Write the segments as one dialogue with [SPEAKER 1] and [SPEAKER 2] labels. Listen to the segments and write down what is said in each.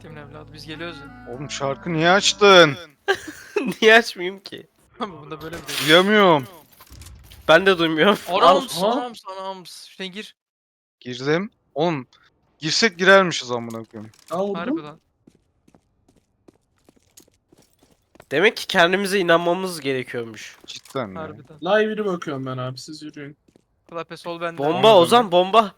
[SPEAKER 1] s**timin evladı. Biz geliyoruz ya.
[SPEAKER 2] Oğlum şarkı niye açtın?
[SPEAKER 3] Niye açmayayım ki?
[SPEAKER 1] Abi bunda böyle bir şey.
[SPEAKER 2] Duyamıyorum.
[SPEAKER 3] Ben de duymuyorum.
[SPEAKER 1] Anams,
[SPEAKER 4] Aha.
[SPEAKER 1] anams, anams. Şuna gir.
[SPEAKER 2] Girdim. Oğlum girsek girermişiz amına koyayım.
[SPEAKER 1] Harbi
[SPEAKER 4] Vurdum.
[SPEAKER 1] lan.
[SPEAKER 3] Demek ki kendimize inanmamız gerekiyormuş.
[SPEAKER 2] Cidden ya.
[SPEAKER 1] Harbiden.
[SPEAKER 4] Live'ine bakıyorum ben abi, siz yürüyün.
[SPEAKER 1] Klape sol bende.
[SPEAKER 3] Bomba
[SPEAKER 2] Onu
[SPEAKER 3] Ozan bomba.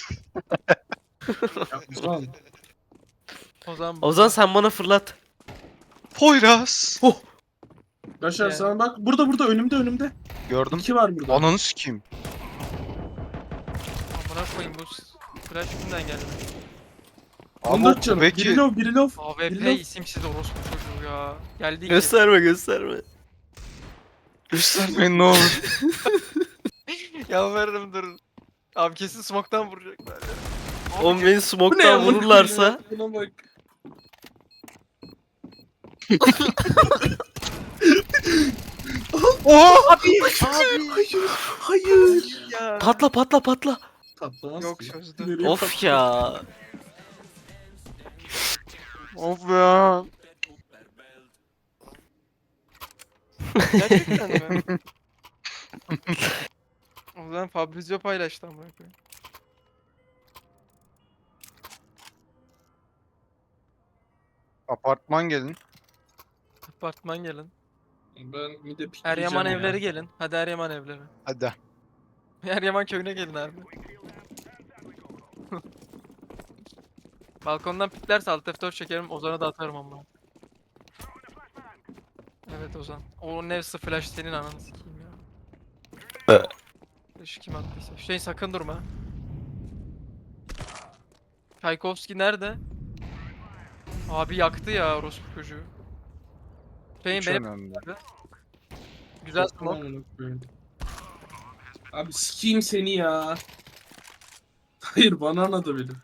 [SPEAKER 4] Ya Ozan.
[SPEAKER 1] Ozan.
[SPEAKER 3] Ozan sen bana fırlat.
[SPEAKER 2] Poyraz.
[SPEAKER 4] Başar
[SPEAKER 1] Yani.
[SPEAKER 4] sana bak, burada önümde.
[SPEAKER 2] Gördüm.
[SPEAKER 4] 2 var burada.
[SPEAKER 2] Ananı sikeyim.
[SPEAKER 1] Amına koyayım bu flash kimden geldi?
[SPEAKER 2] Abi
[SPEAKER 4] 14 canım.
[SPEAKER 2] peki.
[SPEAKER 4] Biri low.
[SPEAKER 1] AWP
[SPEAKER 4] Bilmem.
[SPEAKER 1] isimsiz orospu çocuğu ya. Geldi ki.
[SPEAKER 3] Gösterme gösterme.
[SPEAKER 2] Göstermeyin ne olur.
[SPEAKER 1] Yalvarırım dur. Abi kesin smoke'tan vuracaklar ya.
[SPEAKER 3] Oğlum beni
[SPEAKER 4] Bu ne
[SPEAKER 3] smoke'tan
[SPEAKER 4] ya?
[SPEAKER 3] vururlarsa.
[SPEAKER 4] Buna bak.
[SPEAKER 2] Oha!
[SPEAKER 4] Hayır.
[SPEAKER 1] Ya.
[SPEAKER 3] Patla patla patla.
[SPEAKER 4] Patlamaz
[SPEAKER 1] Yok
[SPEAKER 4] ki.
[SPEAKER 1] çözdü.
[SPEAKER 4] Nereye
[SPEAKER 3] Of
[SPEAKER 4] patlar?
[SPEAKER 3] ya.
[SPEAKER 2] Of ya.
[SPEAKER 1] Gerçekten mi? O zaman Fabrizio paylaştı amına koyayım.
[SPEAKER 2] Apartman gelin.
[SPEAKER 1] Apartman gelin.
[SPEAKER 4] Ben bir de pikleyeceğim
[SPEAKER 1] Eryaman
[SPEAKER 4] ya.
[SPEAKER 1] evleri gelin. Hadi Eryaman evleri.
[SPEAKER 2] Hadi.
[SPEAKER 1] Eryaman köyüne gelin abi. Balkondan piklerse alt F4 çekerim, Ozan'a da atarım ama. Evet Ozan. O Nevs'ı flash senin ananı sikeyim ya. Flash'ı kim attıysa. Hüseyin sakın durma. Tchaikovsky nerede? Abi yaktı ya orospu çocuğu. Hüseyin
[SPEAKER 2] Hiç
[SPEAKER 1] benim
[SPEAKER 2] önemli.
[SPEAKER 1] güzel
[SPEAKER 4] Çok
[SPEAKER 1] smoke.
[SPEAKER 4] amına koyayım. Abi sikeyim seni ya. Hayır, bana anladı benim.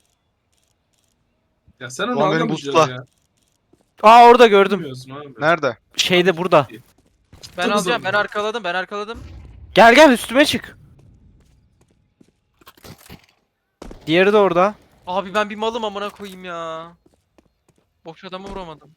[SPEAKER 4] Ya sen onu
[SPEAKER 2] Ulan beni
[SPEAKER 4] anlamayacaksın
[SPEAKER 2] busla.
[SPEAKER 4] ya.
[SPEAKER 3] Aa orada gördüm.
[SPEAKER 4] Bilmiyorsun abi.
[SPEAKER 2] Nerede?
[SPEAKER 3] Şeyde burada.
[SPEAKER 1] Ben
[SPEAKER 4] Çok
[SPEAKER 1] alacağım,
[SPEAKER 4] zor.
[SPEAKER 1] ben arkaladım, ben arkaladım.
[SPEAKER 3] Gel gel üstüme çık. Diğeri de orada.
[SPEAKER 1] Abi ben bir malım amına koyayım ya. Boş adamı vuramadım.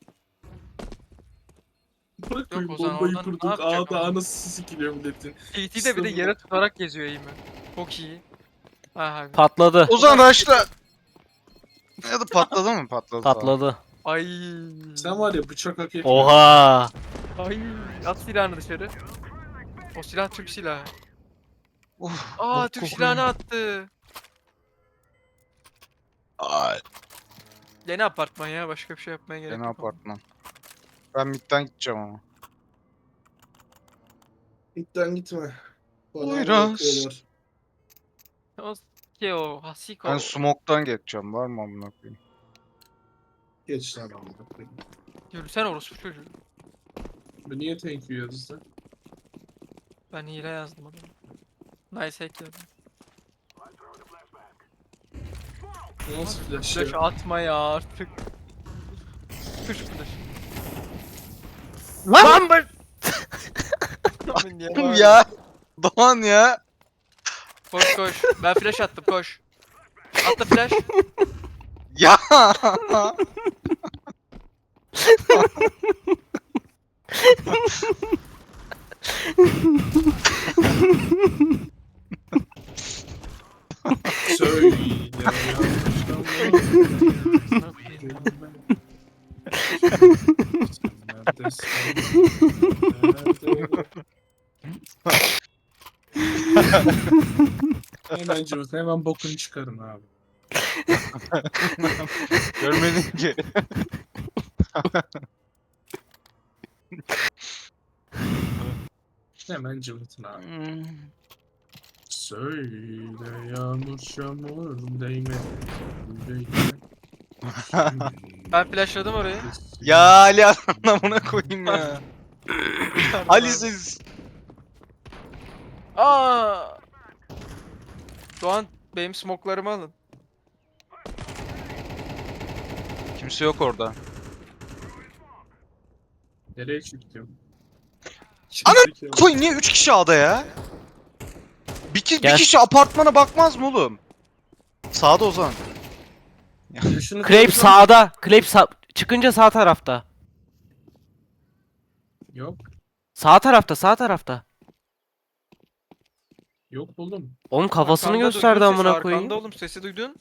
[SPEAKER 4] Bırak koyayım,
[SPEAKER 1] Ozan,
[SPEAKER 4] bombayı
[SPEAKER 1] oradan ne
[SPEAKER 4] kurduk.
[SPEAKER 1] yapacak
[SPEAKER 4] Ağda
[SPEAKER 1] adam?
[SPEAKER 4] anası sikiliyor milletin.
[SPEAKER 1] TT de bir de yere tutarak geziyor eğimi. Çok iyi. Aha.
[SPEAKER 3] Patladı.
[SPEAKER 2] Ozan raşla. Ya da patladı mı? Patladı.
[SPEAKER 3] Patladı.
[SPEAKER 1] Ay.
[SPEAKER 4] Sen var ya, bıçak hak etmiyorsun.
[SPEAKER 3] Oha.
[SPEAKER 1] Ay. At silahını dışarı. O silah Türk silahı.
[SPEAKER 2] Uf,
[SPEAKER 1] Aa
[SPEAKER 2] bok
[SPEAKER 1] Türk
[SPEAKER 2] kokuyor.
[SPEAKER 1] silahını attı.
[SPEAKER 2] Ay.
[SPEAKER 1] Yeni apartman ya, başka bir şey yapmaya gerek
[SPEAKER 2] Yeni
[SPEAKER 1] yok.
[SPEAKER 2] apartman. Ben midden gideceğim ama.
[SPEAKER 4] Gitten gitme. Bana
[SPEAKER 2] Buyurun.
[SPEAKER 4] bakıyorlar.
[SPEAKER 1] O ki o Hasiko.
[SPEAKER 2] Ben smoke'tan geçeceğim. Var mı amına koyayım?
[SPEAKER 4] Geç lan amına koyayım.
[SPEAKER 1] Yürüsene orospu çocuğu.
[SPEAKER 4] Bu niye thank you yazdı?
[SPEAKER 1] Ben hile yazdım adamı. Nice hack yazdım.
[SPEAKER 4] Nasıl flash
[SPEAKER 1] Flash
[SPEAKER 4] ya?
[SPEAKER 1] atma ya artık. Kış flash.
[SPEAKER 3] Lan ben.
[SPEAKER 1] Aman ya.
[SPEAKER 2] Ya. Doğan ya.
[SPEAKER 1] Koş koş. Ben flash attım koş. Atla flash.
[SPEAKER 2] Ya.
[SPEAKER 4] Söyle ya. Hemen cıvık, hemen bokunu çıkarın abi.
[SPEAKER 2] Görmedin ki.
[SPEAKER 4] Hemen cıvıtın abi. Söyle yağmur çamur değme.
[SPEAKER 1] Ben flashladım orayı.
[SPEAKER 2] Ya Ali anlamına koyayım ya. Ali siz.
[SPEAKER 1] Aa! Doğan benim smoklarımı alın.
[SPEAKER 2] Kimse yok orada.
[SPEAKER 4] Nereye çıktım?
[SPEAKER 2] Ana koy niye 3 kişi A'da ya? Bir
[SPEAKER 3] Gel.
[SPEAKER 2] kişi apartmana bakmaz mı oğlum? Sağda Ozan.
[SPEAKER 4] Yaşını
[SPEAKER 3] Clape
[SPEAKER 4] koysam-
[SPEAKER 3] sağda. Clape çıkınca sağ tarafta.
[SPEAKER 4] Yok.
[SPEAKER 3] Sağ tarafta, sağ tarafta.
[SPEAKER 4] Yok oğlum.
[SPEAKER 3] Oğlum kafasını
[SPEAKER 1] Arkanda
[SPEAKER 3] gösterdi
[SPEAKER 1] duydun sesi,
[SPEAKER 3] amına
[SPEAKER 1] Arkanda
[SPEAKER 3] koyayım.
[SPEAKER 1] oğlum sesi duydun.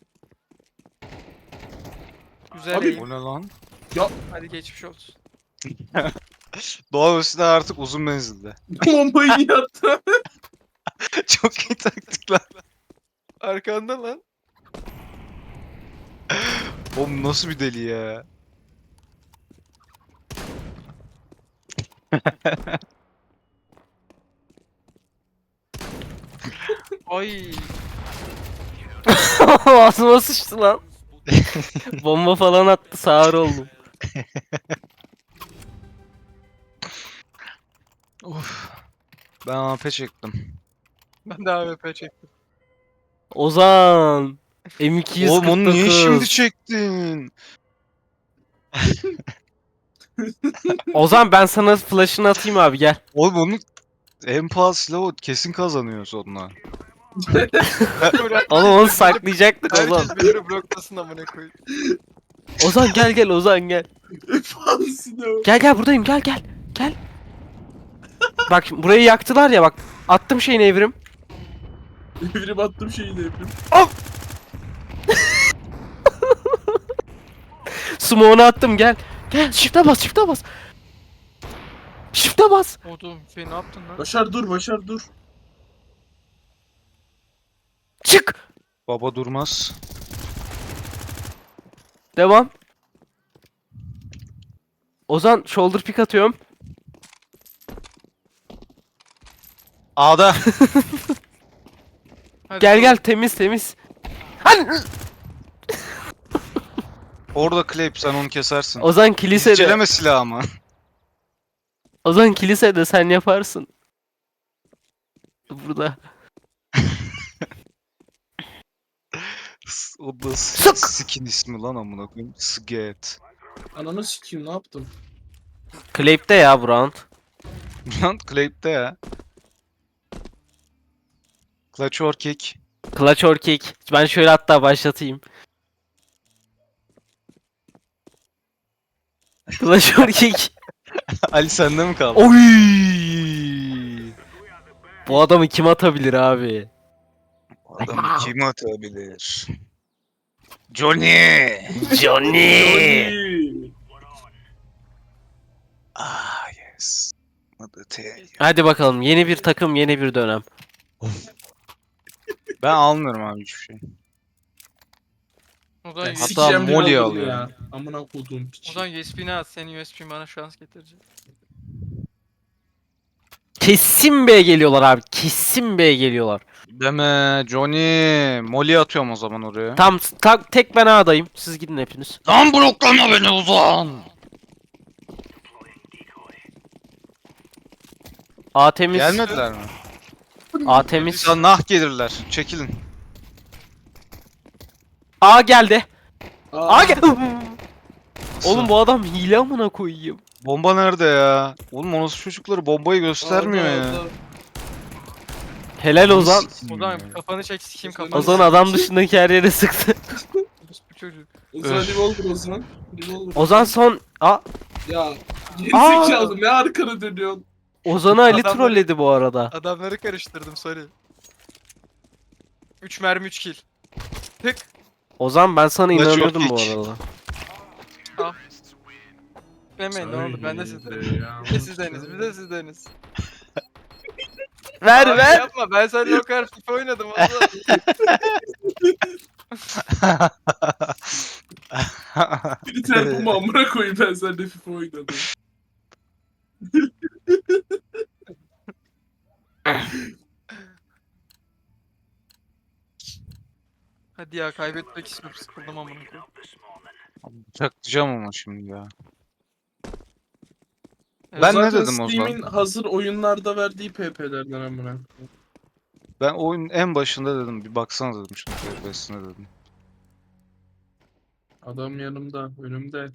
[SPEAKER 1] Güzel
[SPEAKER 4] Abi-
[SPEAKER 1] eğim.
[SPEAKER 2] Bu ne lan?
[SPEAKER 1] Hadi geçmiş olsun.
[SPEAKER 2] Doğa üstüne artık uzun menzilde.
[SPEAKER 4] Bombayı iyi attı.
[SPEAKER 2] Çok iyi taktikler.
[SPEAKER 1] Arkanda lan.
[SPEAKER 2] Oğlum nasıl bir deli ya?
[SPEAKER 1] Ay.
[SPEAKER 3] Ağzıma sıçtı lan. Bomba falan attı, sağır oldum.
[SPEAKER 2] Of. Ben AP çektim.
[SPEAKER 1] Ben de AWP çektim.
[SPEAKER 3] Ozan. M249.
[SPEAKER 2] Oğlum onu niye şimdi çektin?
[SPEAKER 3] Ozan ben sana flash'ını atayım abi gel.
[SPEAKER 2] Oğlum onun en pahalı silahı o, kesin kazanıyor sonuna.
[SPEAKER 3] Oğlum onu saklayacaktık Ozan.
[SPEAKER 1] Herkes beni bloklasın amına koyayım.
[SPEAKER 3] Ozan gel Ozan gel.
[SPEAKER 4] Fazlasını o.
[SPEAKER 3] Gel buradayım gel. Gel. Bak şimdi burayı yaktılar ya bak. Attım şeyini evrim.
[SPEAKER 4] Evrim attım şeyi de evrim.
[SPEAKER 3] Smoke'unu attım gel. Gel shift'e bas. Shift'e bas.
[SPEAKER 1] Oğlum şey ne yaptın lan?
[SPEAKER 4] Başar dur.
[SPEAKER 3] Çık.
[SPEAKER 2] Baba durmaz.
[SPEAKER 3] Devam. Ozan shoulder pick atıyorum.
[SPEAKER 2] A'da.
[SPEAKER 1] Hadi
[SPEAKER 3] Gel temiz. Hani
[SPEAKER 2] Orada Clape sen onu kesersin.
[SPEAKER 3] Ozan kilisede.
[SPEAKER 2] İzceleme silahı ama.
[SPEAKER 3] Ozan kilisede sen yaparsın. Burada.
[SPEAKER 2] O da
[SPEAKER 3] Sık!
[SPEAKER 2] skin ismi lan amına koyayım. Sget.
[SPEAKER 4] Ananı sikeyim ne yaptım?
[SPEAKER 3] Clape'de ya bu round.
[SPEAKER 2] Lan Clape'de ya. Clutch or kick.
[SPEAKER 3] Clutch or kick. Ben şöyle hatta başlatayım. Clutch or kick.
[SPEAKER 2] Ali sende mi kaldı?
[SPEAKER 3] Oy! Bu adamı kim atabilir abi?
[SPEAKER 2] Adamı kim atabilir? Johnny!
[SPEAKER 3] Johnny!
[SPEAKER 2] Ah yes. Adı T.
[SPEAKER 3] Hadi bakalım yeni bir takım yeni bir dönem.
[SPEAKER 2] Ben almıyorum abi hiçbir şey.
[SPEAKER 1] O da
[SPEAKER 2] Hatta
[SPEAKER 4] Sikeceğim diye
[SPEAKER 2] Molly
[SPEAKER 4] aldım
[SPEAKER 2] alıyor.
[SPEAKER 4] ya. Amına koduğum piç.
[SPEAKER 1] O zaman USB'ni at. Senin USB'in bana şans getirecek.
[SPEAKER 3] Kesin B geliyorlar abi. Kesin B geliyorlar.
[SPEAKER 2] Deme Johnny. Molly atıyorum o zaman oraya.
[SPEAKER 3] Tam tek ben A'dayım. Siz gidin hepiniz.
[SPEAKER 2] Lan bloklama beni Ozan.
[SPEAKER 3] A temiz.
[SPEAKER 2] Gelmediler mi?
[SPEAKER 3] A temiz.
[SPEAKER 2] Sen nah gelirler. Çekilin.
[SPEAKER 3] A geldi.
[SPEAKER 4] Aa,
[SPEAKER 3] A gel. Oğlum bu adam hile amına koyayım.
[SPEAKER 2] Bomba nerede ya? Oğlum o nasıl çocukları bombayı göstermiyor
[SPEAKER 4] orada,
[SPEAKER 2] ya.
[SPEAKER 4] orada.
[SPEAKER 3] Helal Ozan.
[SPEAKER 1] O zaman kafanı çek sikeyim kafanı.
[SPEAKER 3] Ozan adam dışındaki her yere sıktı.
[SPEAKER 1] Bu çocuk.
[SPEAKER 4] Ozan revolver Ozan. Revolver.
[SPEAKER 3] Ozan son...
[SPEAKER 4] Ya. Gerizekalı ne arkana dönüyorsun?
[SPEAKER 3] Ozan'ı Ali
[SPEAKER 1] Adamlar-
[SPEAKER 3] trolledi bu arada.
[SPEAKER 1] Adamları karıştırdım sorry. 3 mermi 3 kill. Tık.
[SPEAKER 3] Ozan ben sana
[SPEAKER 2] Let's
[SPEAKER 3] inanıyordum
[SPEAKER 2] your
[SPEAKER 3] bu
[SPEAKER 2] kick.
[SPEAKER 3] arada.
[SPEAKER 1] Demeyin ne olur ben de sizdenim.
[SPEAKER 4] Ya.
[SPEAKER 1] Bir de sizdeniz bir de sizdeniz.
[SPEAKER 3] Ver
[SPEAKER 1] Abi
[SPEAKER 3] ver.
[SPEAKER 1] Yapma ben seninle o kadar FIFA oynadım o zaman.
[SPEAKER 4] Bir tarafımı amına koyayım ben seninle FIFA oynadım.
[SPEAKER 1] Hadi ya kaybetmek istiyorum sıkıldım amına koyayım.
[SPEAKER 2] Bıçaklayacağım ama şimdi ya.
[SPEAKER 1] Evet,
[SPEAKER 2] Ben ne
[SPEAKER 4] Zaten
[SPEAKER 2] dedim o
[SPEAKER 4] Steam'in
[SPEAKER 2] zaman?
[SPEAKER 4] hazır oyunlarda verdiği PP'lerden amına koyayım.
[SPEAKER 2] Ben oyun en başında dedim bir baksana dedim şunu PPS'ine dedim.
[SPEAKER 4] Adam yanımda, önümde.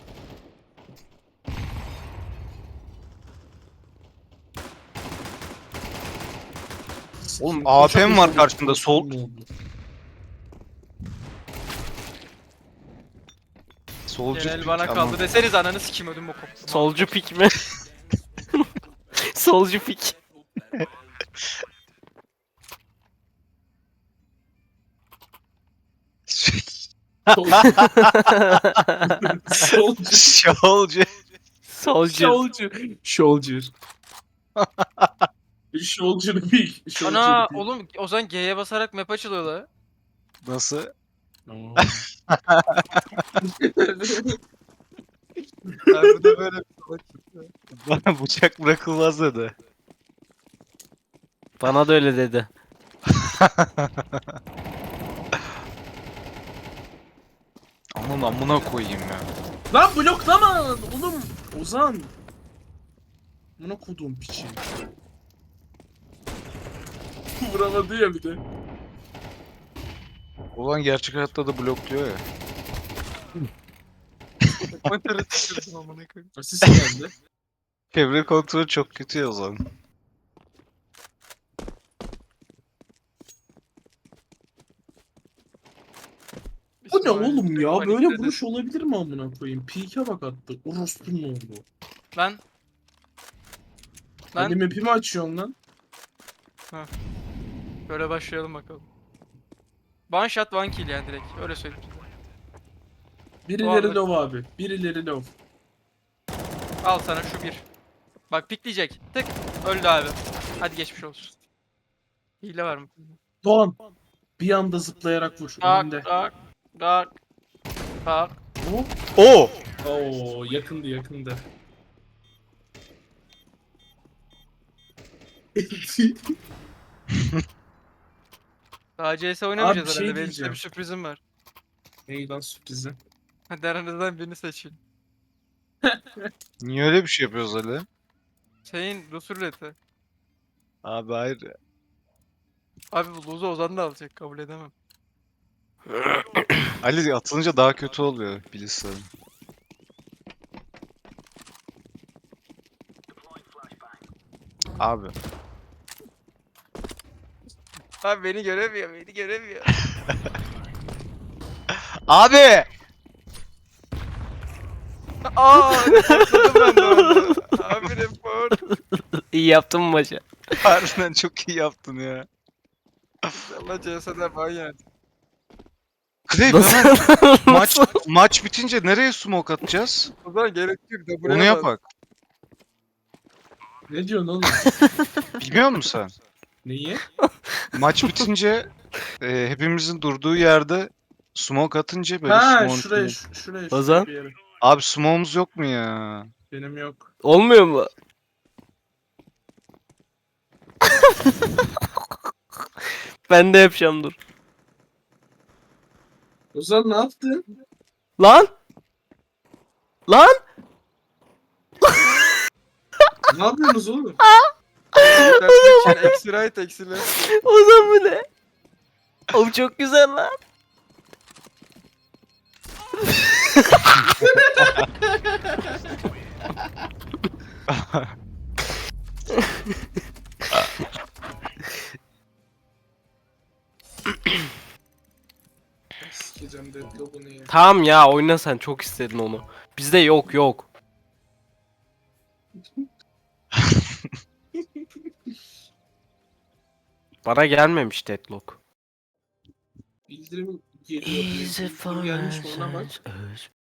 [SPEAKER 2] Oğlum AP'm var karşında sol. Solcu
[SPEAKER 1] Genel
[SPEAKER 2] pick
[SPEAKER 1] bana
[SPEAKER 2] ama.
[SPEAKER 1] kaldı deseniz ananı sikeyim ödüm bokum.
[SPEAKER 3] Solcu pik mi? Solcu pik.
[SPEAKER 4] Soldier.
[SPEAKER 2] Solcu.
[SPEAKER 3] Solcu.
[SPEAKER 4] Soldier. Soldier big.
[SPEAKER 1] Ana oğlum o zaman G'ye basarak map açılıyor la.
[SPEAKER 2] Nasıl? Abi de böyle bana bıçak bırakılmaz dedi.
[SPEAKER 3] Bana da öyle dedi.
[SPEAKER 2] Aman amına koyayım ya.
[SPEAKER 4] Lan bloklama oğlum. Ozan. Buna kodum piçi. Vuramadı ya bir de.
[SPEAKER 2] Ulan gerçek hayatta da blokluyor ya.
[SPEAKER 1] Monitörü düşürdüm amına koyayım.
[SPEAKER 4] Asist geldi.
[SPEAKER 2] Çevre kontrolü çok kötü ya o zaman.
[SPEAKER 4] Bu ne
[SPEAKER 1] İsmail,
[SPEAKER 4] oğlum ya?
[SPEAKER 1] panik
[SPEAKER 4] Böyle
[SPEAKER 1] dedi.
[SPEAKER 4] vuruş olabilir mi amına koyayım? Peek'e bak attı. Orospu'nun oldu.
[SPEAKER 1] Lan. Lan.
[SPEAKER 4] Benim map'imi açıyorsun lan.
[SPEAKER 1] Böyle başlayalım bakalım. One shot one kill yani direkt. Öyle söyleyeyim size.
[SPEAKER 4] Birileri
[SPEAKER 1] Doğru.
[SPEAKER 4] low abi. Birileri low.
[SPEAKER 1] Al sana şu bir. Bak pikleyecek. Tık. Öldü abi. Hadi geçmiş olsun. Hile var mı?
[SPEAKER 4] Doğan. Bir anda zıplayarak vur.
[SPEAKER 1] Tak
[SPEAKER 4] Önünde.
[SPEAKER 1] tak tak tak.
[SPEAKER 4] Hop.
[SPEAKER 2] Oo!
[SPEAKER 4] Oo yakındı yakındı.
[SPEAKER 1] Daha CS oynamayacağız
[SPEAKER 4] Abi, bir şey
[SPEAKER 1] herhalde. Benim size
[SPEAKER 4] diyeceğim.
[SPEAKER 1] bir sürprizim var.
[SPEAKER 4] Ney lan sürprizi?
[SPEAKER 1] Hadi aranızdan birini seçin.
[SPEAKER 2] Niye öyle bir şey yapıyoruz Ali?
[SPEAKER 1] Şeyin Rus ruleti.
[SPEAKER 2] Abi hayır.
[SPEAKER 1] Abi bu lose'u Ozan da alacak. Kabul edemem.
[SPEAKER 2] Ali atılınca daha kötü oluyor bilirsin. Abi.
[SPEAKER 1] Abi beni göremiyor. Beni göremiyor.
[SPEAKER 2] Abi!
[SPEAKER 1] Reportladım ben de onu. Abi report.
[SPEAKER 3] İyi yaptın mı maçı?
[SPEAKER 2] Harbiden çok iyi yaptın ya.
[SPEAKER 1] Allah CS'den ban yani.
[SPEAKER 2] Krep
[SPEAKER 3] Nasıl?
[SPEAKER 2] hemen maç bitince nereye smoke atacağız?
[SPEAKER 1] O zaman gerek yok da buraya
[SPEAKER 2] Onu
[SPEAKER 1] bas.
[SPEAKER 2] yapak.
[SPEAKER 4] Ne diyorsun oğlum?
[SPEAKER 2] Bilmiyor musun sen?
[SPEAKER 4] Neyi?
[SPEAKER 2] Maç bitince hepimizin durduğu yerde smoke atınca böyle
[SPEAKER 4] Ha
[SPEAKER 2] smoke'un
[SPEAKER 4] şuraya
[SPEAKER 2] içine-
[SPEAKER 4] şuraya
[SPEAKER 3] Ozan?
[SPEAKER 4] bir yere.
[SPEAKER 2] Abi smoke'umuz yok mu ya?
[SPEAKER 4] Benim yok.
[SPEAKER 3] Olmuyor mu? Ben de yapacağım dur.
[SPEAKER 4] Ozan ne yaptın?
[SPEAKER 3] Lan! Lan!
[SPEAKER 4] Ne yapıyorsunuz oğlum?
[SPEAKER 1] Eksi right eksi left.
[SPEAKER 3] Ozan bu ne? Oğlum çok güzel lan.
[SPEAKER 4] Sikeceğim deadlock'unu ya.
[SPEAKER 3] Tamam ya oyna sen çok istedin onu. Bizde yok yok. Bana gelmemiş deadlock.
[SPEAKER 4] Bildirim geliyor. Bildirim gelmiş mi ona bak.